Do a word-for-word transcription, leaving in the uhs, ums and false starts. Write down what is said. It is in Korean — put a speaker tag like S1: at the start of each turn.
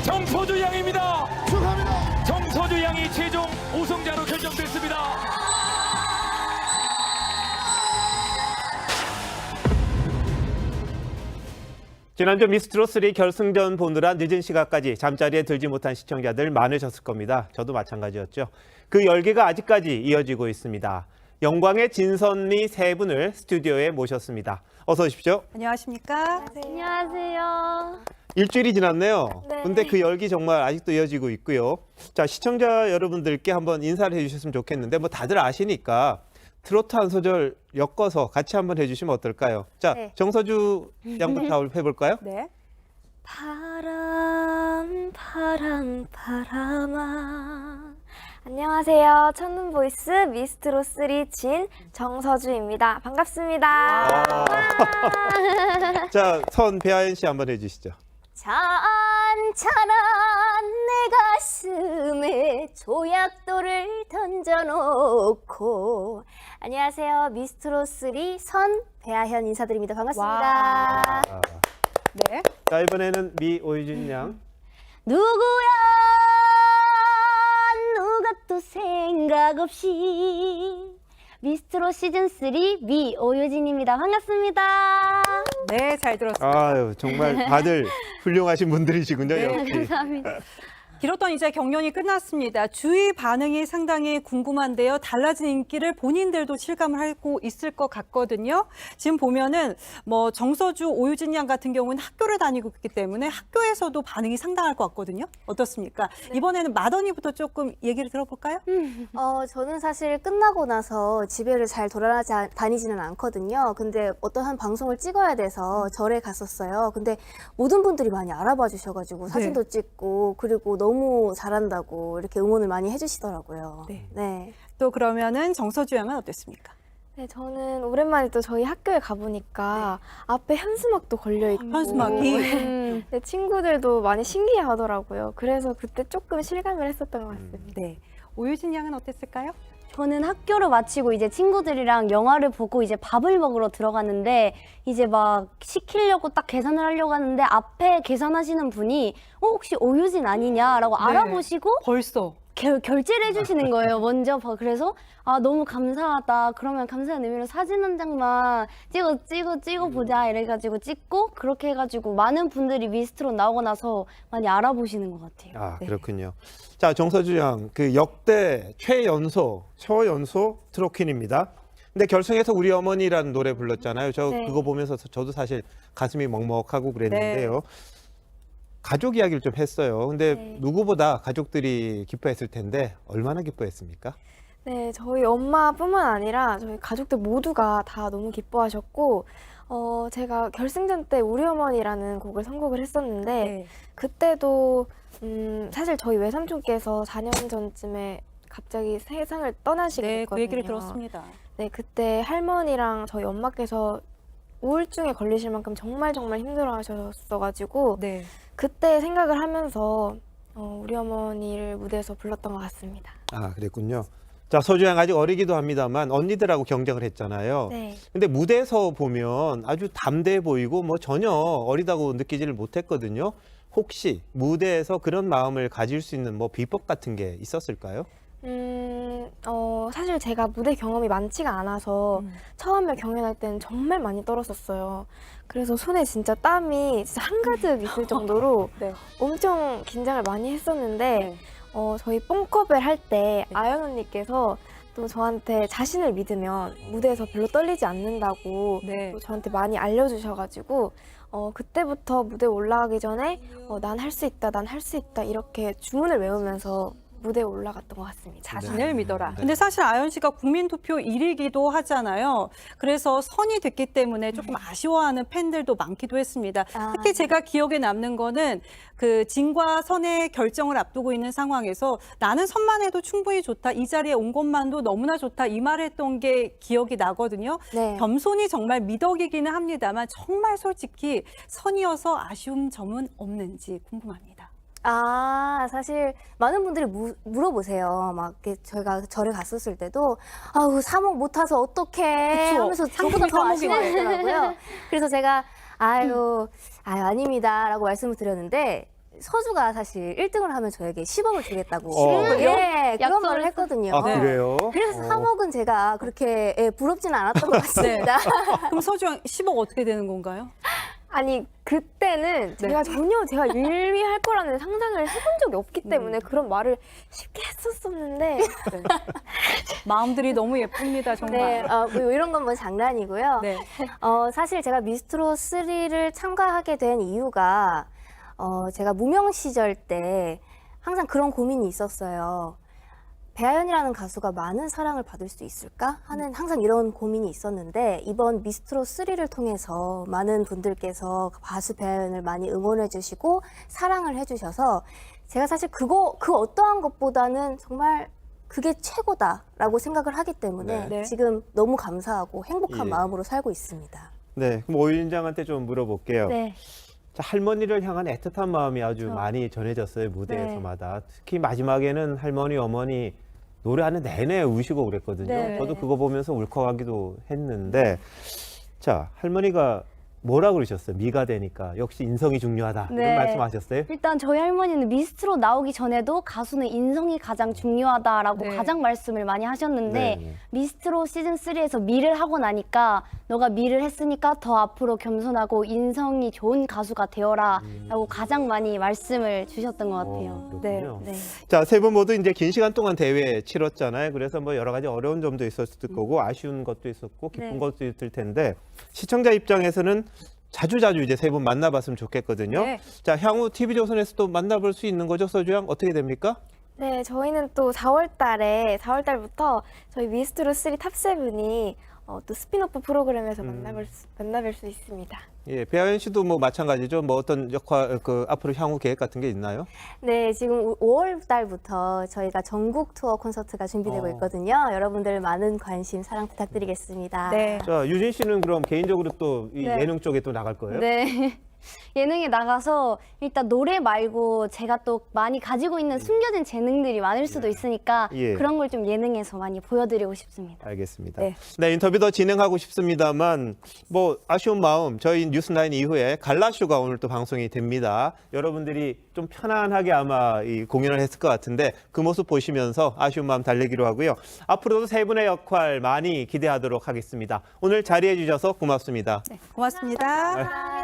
S1: 정서주 양입니다.
S2: 축하합니다.
S1: 정서주 양이 최종 우승자로 결정됐습니다.
S3: 지난주 미스트롯쓰리 결승전 보느라 늦은 시간까지 잠자리에 들지 못한 시청자들 많으셨을 겁니다. 저도 마찬가지였죠. 그 열기가 아직까지 이어지고 있습니다. 영광의 진선미 세 분을 스튜디오에 모셨습니다. 어서 오십시오.
S4: 안녕하십니까?
S5: 안녕하세요.
S3: 일주일이 지났네요.
S5: 네.
S3: 근데 그 열기 정말 아직도 이어지고 있고요. 자, 시청자 여러분들께 한번 인사를 해주셨으면 좋겠는데 뭐 다들 아시니까 트로트 한 소절 엮어서 같이 한번 해주시면 어떨까요? 자,
S5: 네.
S3: 정서주 양부터 해볼까요?
S4: 네.
S5: 바람 바람 바람아. 안녕하세요. 첫눈 보이스 미스트롯쓰리 진 정서주입니다. 반갑습니다.
S3: 아. 자, 선 배아연 씨 한번 해주시죠.
S5: 잔잔한 내 가슴에 조약돌을 던져놓고. 안녕하세요. 미스트롯쓰리 선 배아현 인사드립니다. 반갑습니다.
S3: 아.
S4: 네.
S3: 자, 이번에는 미 오유진 양.
S5: 누구야 누가 또 생각 없이. 미스트롯 시즌쓰리 미 오유진입니다. 반갑습니다.
S4: 네, 잘 들었습니다.
S3: 아유, 정말 다들 훌륭하신 분들이시군요.
S4: 네,
S3: 역시.
S5: 감사합니다.
S4: 길었던 이제 경연이 끝났습니다. 주위 반응이 상당히 궁금한데요. 달라진 인기를 본인들도 실감을 하고 있을 것 같거든요. 지금 보면은 뭐 정서주, 오유진 양 같은 경우는 학교를 다니고 있기 때문에 학교에서도 반응이 상당할 것 같거든요. 어떻습니까?
S5: 네.
S4: 이번에는 마더니부터 조금 얘기를 들어볼까요?
S5: 어, 저는 사실 끝나고 나서 집에를 잘 돌아다니지는 않거든요. 근데 어떤 한 방송을 찍어야 돼서 절에 갔었어요. 근데 모든 분들이 많이 알아봐 주셔가지고 사진도 찍고, 그리고 너무 잘한다고 이렇게 응원을 많이 해주시더라고요.
S4: 네.
S5: 네.
S4: 또 그러면은 정서주 양은 어땠습니까?
S6: 네, 저는 오랜만에 또 저희 학교에 가보니까 앞에 현수막도 걸려있고
S4: 현수막이?
S6: 네, 네, 친구들도 많이 신기해하더라고요. 그래서 그때 조금 실감을 했었던 것 같습니다.
S4: 네. 오유진 양은 어땠을까요?
S5: 저는 학교를 마치고 이제 친구들이랑 영화를 보고 이제 밥을 먹으러 들어갔는데, 이제 막 시키려고 딱 계산을 하려고 하는데 앞에 계산하시는 분이 어, 혹시 오유진 아니냐라고
S4: 네.
S5: 알아보시고
S4: 벌써.
S5: 결, 결제를 해주시는 거예요, 먼저. 그래서 아, 너무 감사하다. 그러면 감사한 의미로 사진 한 장만 찍어 찍어 찍어 보자 이래가지고 찍고, 그렇게 해가지고 많은 분들이 미스트롯 나오고 나서 많이 알아보시는 것 같아요.
S3: 아,
S4: 네.
S3: 그렇군요. 자, 정서주 양, 그 역대 최연소, 초연소 트로퀸입니다. 근데 결승에서 우리 어머니라는 노래 불렀잖아요. 저
S5: 네.
S3: 그거 보면서 저도 사실 가슴이 먹먹하고 그랬는데요. 가족 이야기를 좀 했어요. 근데
S6: 네.
S3: 누구보다 가족들이 기뻐했을 텐데 얼마나 기뻐했습니까?
S6: 네, 저희 엄마뿐만 아니라 저희 가족들 모두가 다 너무 기뻐하셨고, 어, 제가 결승전 때 우리 어머니라는 곡을 선곡을 했었는데,
S4: 네.
S6: 그때도 음, 사실 저희 외삼촌께서 사 년 전쯤에 갑자기 세상을 떠나시게
S4: 네,
S6: 됐거든요.
S4: 그 얘기를 들었습니다.
S6: 네, 그때 할머니랑 저희 엄마께서 우울증에 걸리실 만큼 정말 정말 힘들어하셨어가지고
S4: 네.
S6: 그때 생각을 하면서 어, 우리 어머니를 무대에서 불렀던 것 같습니다.
S3: 아, 그랬군요. 자, 서주 양 아직 어리기도 합니다만 언니들하고 경쟁을 했잖아요.
S6: 네.
S3: 근데 무대에서 보면 아주 담대해 보이고 뭐 전혀 어리다고 느끼지를 못했거든요. 혹시 무대에서 그런 마음을 가질 수 있는 뭐 비법 같은 게 있었을까요?
S6: 음, 어, 사실 제가 무대 경험이 많지가 않아서
S4: 음.
S6: 처음에 경연할 때는 정말 많이 떨었었어요. 그래서 손에 진짜 땀이 진짜 한가득 있을 정도로
S4: 네.
S6: 엄청 긴장을 많이 했었는데,
S4: 네.
S6: 어, 저희 뽕컵을 할 때 아연 언니께서 또 저한테 자신을 믿으면 무대에서 별로 떨리지 않는다고
S4: 네.
S6: 또 저한테 많이 알려주셔가지고, 어, 그때부터 무대 올라가기 전에 어, 난 할 수 있다, 난 할 수 있다 이렇게 주문을 외우면서 무대에 올라갔던 것 같습니다.
S4: 자신을 믿어라.
S3: 네.
S4: 근데 사실 아연 씨가 국민투표 일 위기도 하잖아요. 그래서 선이 됐기 때문에 조금 아쉬워하는 팬들도 많기도 했습니다.
S5: 아.
S4: 특히 제가 기억에 남는 거는 그 진과 선의 결정을 앞두고 있는 상황에서 나는 선만 해도 충분히 좋다. 이 자리에 온 것만도 너무나 좋다. 이 말을 했던 게 기억이 나거든요.
S5: 네.
S4: 겸손이 정말 미덕이기는 합니다만 정말 솔직히 선이어서 아쉬운 점은 없는지 궁금합니다.
S5: 아, 사실 많은 분들이 무, 물어보세요. 막 이렇게 저희가 절에 갔었을 때도 아우 사목 못 타서 어떡해
S4: 그쵸.
S5: 하면서
S4: 상품이
S5: 저보다 더
S4: 사목이네.
S5: 아쉬워하더라고요. 그래서 제가 아유, 아유 아닙니다라고 말씀을 드렸는데, 서주가 사실 일 등을 하면 저에게 십억을 주겠다고
S3: 어.
S5: 예, 그런
S6: 약속을
S5: 말을
S6: 했어.
S5: 했거든요.
S3: 아, 그래요?
S5: 그래서
S3: 어.
S5: 삼억은 제가 그렇게 예, 부럽지는 않았던 것 같습니다.
S4: 그럼 서주 양 십억 어떻게 되는 건가요?
S6: 아니 그때는
S4: 네.
S6: 제가 전혀 제가 일 위 할 거라는 상상을 해본 적이 없기 때문에 그런 말을 쉽게 했었었는데
S4: 마음들이 너무 예쁩니다, 정말.
S5: 네, 어, 뭐 이런 건 뭐 장난이고요.
S4: 네.
S5: 어, 사실 제가 미스트롯 쓰리를 참가하게 된 이유가 어, 제가 무명 시절 때 항상 그런 고민이 있었어요. 배아연이라는 가수가 많은 사랑을 받을 수 있을까 하는 항상 이런 고민이 있었는데 이번 미스트롯 쓰리를 통해서 많은 분들께서 가수 배아연을 많이 응원해 주시고 사랑을 해 주셔서 제가 사실 그거 그 어떠한 것보다는 정말 그게 최고다라고 생각을 하기 때문에
S3: 네.
S4: 네.
S5: 지금 너무 감사하고 행복한
S3: 예.
S5: 마음으로 살고 있습니다.
S3: 네, 그럼 오윤장한테 좀 물어볼게요.
S6: 네.
S3: 자, 할머니를 향한 애틋한 마음이 아주
S6: 그렇죠.
S3: 많이 전해졌어요,
S6: 네.
S3: 무대에서마다. 특히 마지막에는 할머니, 어머니 노래하는 내내 우시고 그랬거든요.
S6: 네.
S3: 저도 그거 보면서 울컥하기도 했는데, 자, 할머니가 뭐라 그러셨어요? 미가 되니까 역시 인성이 중요하다 이런
S2: 네.
S3: 말씀하셨어요?
S2: 일단 저희 할머니는 미스트롯 나오기 전에도 가수는 인성이 가장 중요하다라고
S4: 네.
S2: 가장 말씀을 많이 하셨는데
S3: 네.
S2: 미스트롯 시즌 쓰리에서 미를 하고 나니까 너가 미를 했으니까 더 앞으로 겸손하고 인성이 좋은 가수가 되어라 라고 가장 많이 말씀을 주셨던 것 같아요.
S3: 어,
S2: 네.
S3: 그렇군요.
S2: 네.
S3: 자, 세 분 모두 이제 긴 시간 동안 대회 치렀잖아요. 그래서 뭐 여러 가지 어려운 점도 있었을 거고 아쉬운 것도 있었고 기쁜
S2: 네.
S3: 것도 있을 텐데 시청자 입장에서는 자주자주 이제 세 분 만나봤으면 좋겠거든요.
S4: 네.
S3: 자, 향후 티비조선에서도 만나볼 수 있는 거죠, 서주양? 어떻게 됩니까?
S6: 네, 저희는 또 사월 달에 사월 달부터 저희 미스트롯 쓰리 탑세븐이 어, 또 스피노프 프로그램에서
S3: 음.
S6: 만나볼 수, 만나뵐 수 있습니다.
S3: 예, 배아연 씨도 뭐 마찬가지죠. 뭐 어떤 역할, 그 앞으로 향후 계획 같은 게 있나요?
S5: 네, 지금 오월 달부터 저희가 전국 투어 콘서트가 준비되고
S3: 어.
S5: 있거든요. 여러분들 많은 관심, 사랑 부탁드리겠습니다.
S4: 네.
S3: 자, 유진 씨는 그럼 개인적으로 또 이
S2: 네.
S3: 예능 쪽에 또 나갈 거예요?
S2: 네. 예능에 나가서 일단 노래 말고 제가 또 많이 가지고 있는 숨겨진 재능들이 많을 수도 있으니까
S3: 예.
S2: 그런 걸 좀 예능에서 많이 보여드리고 싶습니다.
S3: 알겠습니다.
S4: 네.
S3: 네, 인터뷰 더 진행하고 싶습니다만 뭐 아쉬운 마음 저희 뉴스나인 이후에 갈라쇼가 오늘 또 방송이 됩니다. 여러분들이 좀 편안하게 아마 이 공연을 했을 것 같은데 그 모습 보시면서 아쉬운 마음 달래기로 하고요. 앞으로도 세 분의 역할 많이 기대하도록 하겠습니다. 오늘 자리해 주셔서 고맙습니다.
S4: 고맙습니다.